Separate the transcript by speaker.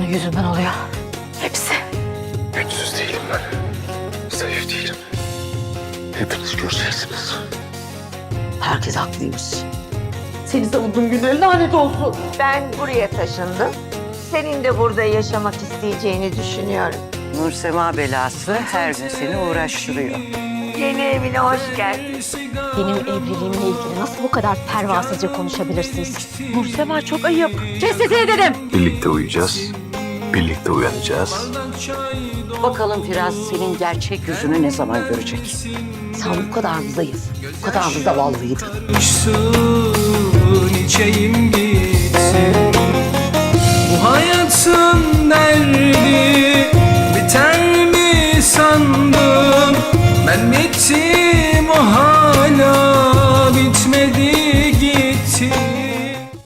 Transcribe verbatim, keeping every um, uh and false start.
Speaker 1: yüzünden oluyor. Hepsi.
Speaker 2: Güçsüz değilim ben. Zayıf değilim. Hepiniz göreceksiniz.
Speaker 1: Herkes haklıymış. Seni savunduğum günlerin lanet olsun.
Speaker 3: Ben buraya taşındım. Senin de burada yaşamak isteyeceğini düşünüyorum.
Speaker 4: Nursema belası her gün seni uğraştırıyor.
Speaker 3: Yeni evine hoş geldin.
Speaker 1: Benim evliliğimle ilgili nasıl bu kadar pervasızca konuşabilirsiniz?
Speaker 4: Nursema çok ayıp.
Speaker 1: Kes sesini dedim.
Speaker 2: Birlikte uyuyacağız. Birlikte uyanacağız.
Speaker 4: Bakalım Firaz senin gerçek yüzünü ne zaman görecek?
Speaker 1: Sen bu kadar mı zayıf, bu kadar mı zavallıydın?
Speaker 5: Uçsun içeyim gitsin. Bu hayatın derdi biter mi sandım? Ben bittim.